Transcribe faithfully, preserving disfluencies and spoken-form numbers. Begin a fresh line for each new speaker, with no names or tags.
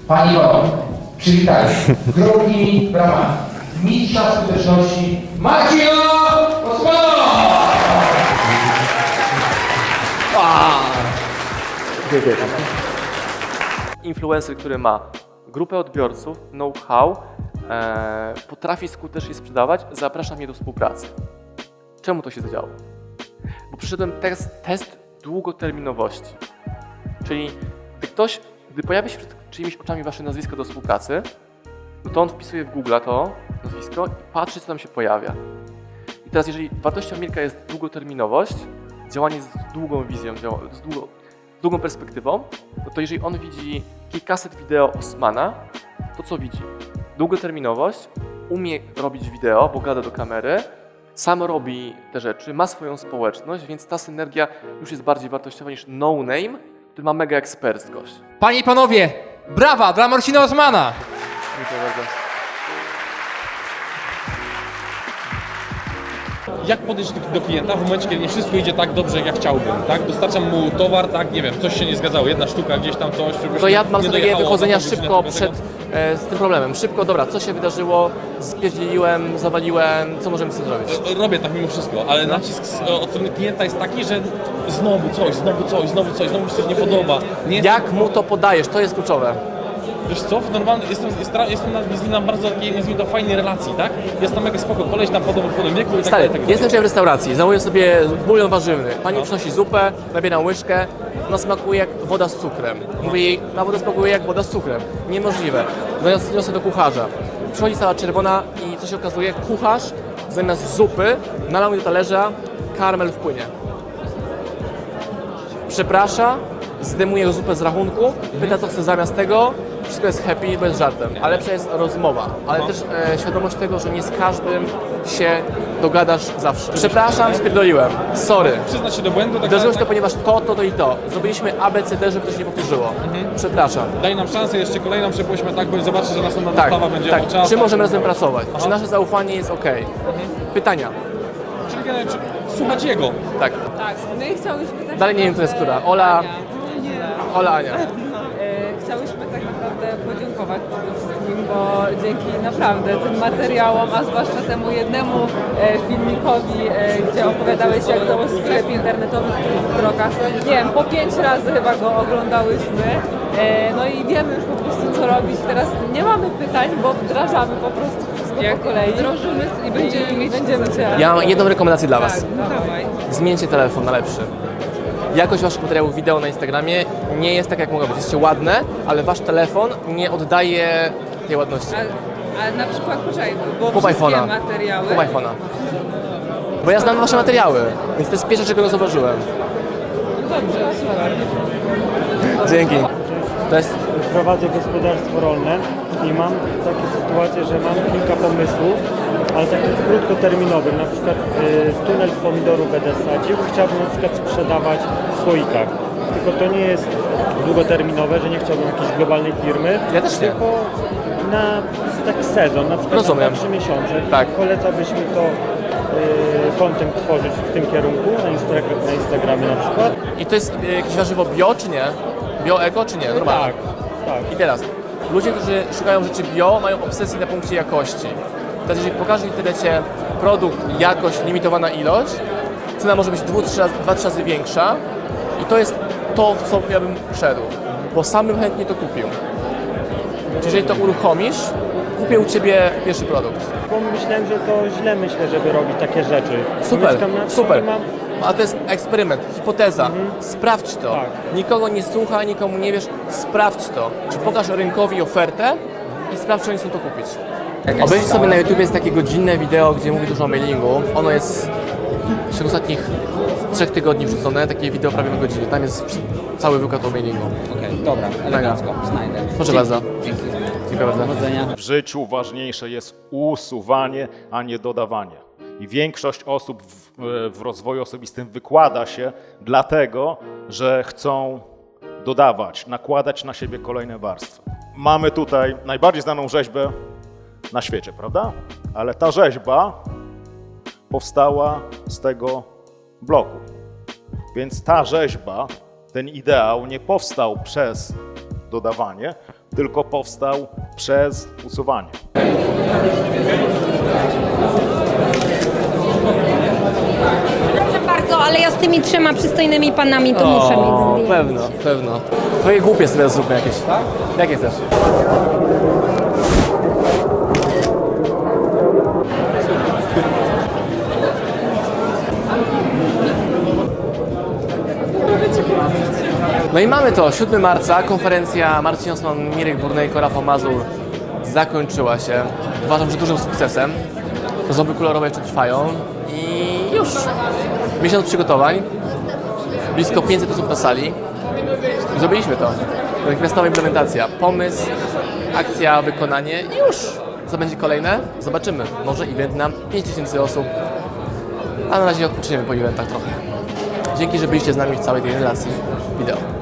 Pani Iwono, przywitajcie gromkimi bramami mistrza skuteczności Marcina Osmana!
Dziękuję. Influencer, który ma grupę odbiorców, know-how, e, potrafi skutecznie sprzedawać, zaprasza mnie do współpracy. Czemu to się zadziało? Bo przyszedłem test, test długoterminowości. Czyli gdy ktoś, gdy pojawia się przed czyimiś oczami wasze nazwisko do współpracy, no to on wpisuje w Google to nazwisko i patrzy, co tam się pojawia. I teraz, jeżeli wartością Milka jest długoterminowość, działanie z długą wizją, z, długo, z długą perspektywą, no to jeżeli on widzi kilkaset wideo Osmana, to co widzi? Długoterminowość, umie robić wideo, bo gada do kamery, sam robi te rzeczy, ma swoją społeczność, więc ta synergia już jest bardziej wartościowa niż no-name, który ma mega eksperckość.
Panie i panowie, brawa dla Marcina Osmana!
Dziękuję bardzo.
Jak podejść do, do klienta w momencie, kiedy nie wszystko idzie tak dobrze, jak ja chciałbym, tak? Dostarczam mu towar, tak, nie wiem, coś się nie zgadzało, jedna sztuka, gdzieś tam coś, czegoś
To ja
nie
mam strategię
dojechało,
wychodzenia
na pół godziny
szybko
tego.
przed e, z tym problemem. Szybko, dobra, co się wydarzyło, spierdzieliłem, zawaliłem, co możemy z tym zrobić?
Robię tak mimo wszystko, ale nacisk z- od strony klienta jest taki, że znowu coś, znowu coś, znowu coś, znowu mi się coś nie podoba. Nie jest,
Jak mu to podajesz? To jest kluczowe.
Wiesz co, w normalnym, jestem, jestem, jestem na, z nim na bardzo takiej, nazwijmy to, fajnej relacji, tak? Jest tam mega spoko, koleś na podobnym, podobnym wieku i tak
Stary,
dalej, tak
jestem dzisiaj w restauracji, zamawiam sobie bulion warzywny. Pani
No.
przynosi zupę, nabieram łyżkę, ona smakuje jak woda z cukrem. Mówię jej, ta woda smakuje jak woda z cukrem. Niemożliwe. Zamiast niosę do kucharza. Przychodzi cała czerwona i co się okazuje, kucharz zamiast zupy nalał mi do talerza, karmel wpłynie. Przeprasza, zdejmuje zupę z rachunku, pyta co chce zamiast tego, wszystko jest happy, bez żartem, ale lepsza jest rozmowa, ale też e, świadomość tego, że nie z każdym się dogadasz zawsze. Przepraszam, spierdoliłem, sorry.
Przyznać się do błędu, tak
Wydarzyło się
tak,
to, ponieważ to, to, to i to. Zrobiliśmy A, B, C, D, żeby to się nie powtórzyło. Przepraszam.
daj nam szansę jeszcze kolejną, przepuśćmy tak, bo zobaczy, że następna
Tak,
dostawa będzie
tak.
o czas.
Czy
tak,
możemy
tak,
razem
tak.
pracować? Czy nasze zaufanie jest ok? Pytania.
Czyli generalnie, czy- słuchać jego.
Tak.
Tak, no i chciałyśmy tak
Dalej nie wiem, kto jest
naprawdę-
która. Ola-
Ania. Nie.
Ola, Ania.
E, chciałyśmy tak naprawdę podziękować przede wszystkim, bo dzięki naprawdę tym materiałom, a zwłaszcza temu jednemu e, filmikowi, e, gdzie opowiadałeś jak założyć sklep internetowy w kilku krokach, nie wiem, po pięć razy chyba go oglądałyśmy, e, no i wiemy już po prostu co robić. Teraz nie mamy pytań, bo wdrażamy po prostu wszystko po kolei. Wdrożymy i będziemy mieć... Będziemy cię...
Ja mam jedną rekomendację dla Was.
Tak, no dawaj.
Zmieńcie telefon na lepszy. Jakość waszych materiałów wideo na Instagramie nie jest tak, jak mogła być. Jesteście ładne, ale wasz telefon nie oddaje tej ładności.
A, a na przykład, poczekaj, bo
Kup
wszystkie
iPhone'a.
materiały...
Kup iPhone'a. Bo ja znam wasze materiały, więc to jest pierwsze, czego nie zauważyłem.
Dobrze, super.
Dzięki. To jest...
Prowadzę gospodarstwo rolne i mam takie sytuacje, że mam kilka pomysłów, ale takich krótkoterminowych, na przykład y, tunel pomidorów będę sadził, chciałbym na przykład sprzedawać w słoikach. Tylko to nie jest długoterminowe, że nie chciałbym jakiejś globalnej firmy,
Ja też nie.
tylko na taki sezon, na przykład
Rozumiem.
na trzy miesiące.
Tak.
Polecałbyś mi to y, content tworzyć w tym kierunku, na, Instra- na Instagramie na przykład.
I to jest e, jakieś warzywo bio, czy nie? Bio, eko, czy nie? Normalnie.
Tak, tak.
I teraz, ludzie, którzy szukają rzeczy bio, mają obsesję na punkcie jakości. Teraz jeżeli pokażesz w internecie produkt, jakość, limitowana ilość, cena może być dwa trzy razy większa i to jest to, w co ja bym szedł, bo sam bym chętnie to kupił. Czyli jeżeli to uruchomisz, kupię u Ciebie pierwszy produkt.
Bo myślałem, że to źle myślę, żeby robić takie rzeczy.
Super,
Mieszkam na wsi
super.
i mam...
A to jest eksperyment, hipoteza. Sprawdź to.
Tak.
Nikogo nie słuchaj, nikomu nie wiesz. Sprawdź to. Czy pokaż rynkowi ofertę i sprawdź, czy oni chcą to kupić. Obejrzyj sobie na YouTube jest takie godzinne wideo, gdzie mówi dużo o mailingu. Ono jest w ciągu ostatnich trzech tygodni wrzucone, takie wideo prawie na godzinę. Tam jest cały wykład o mailingu.
Okej, dobra, elegancko, znajdę.
Proszę
Dzięki.
bardzo.
Dzięki.
Dziękuję bardzo.
Powodzenia.
W życiu ważniejsze jest usuwanie, a nie dodawanie. I większość osób w, w rozwoju osobistym wykłada się dlatego, że chcą dodawać, nakładać na siebie kolejne warstwy. Mamy tutaj najbardziej znaną rzeźbę na świecie, prawda? Ale ta rzeźba powstała z tego bloku. Więc ta rzeźba, ten ideał nie powstał przez dodawanie, tylko powstał przez usuwanie.
Proszę bardzo, ale ja z tymi trzema przystojnymi panami to muszę mieć zdjęcie.
pewno, pewno. Twoje głupie sobie teraz zróbmy jakieś. Jakie chcesz? No i mamy to, siódmego marca, konferencja Marcin Osman, Mirek Burnejko, Rafał Mazur zakończyła się. Uważam, że dużym sukcesem. Zoby kolorowe jeszcze trwają i już. Miesiąc przygotowań, blisko pięćset osób na sali. Zrobiliśmy to. Natychmiastowa implementacja. Pomysł, akcja, wykonanie i już. Co będzie kolejne? Zobaczymy. Może event na pięć tysięcy osób, a na razie odpoczniemy po eventach trochę. Dzięki, że byliście z nami w całej tej relacji wideo.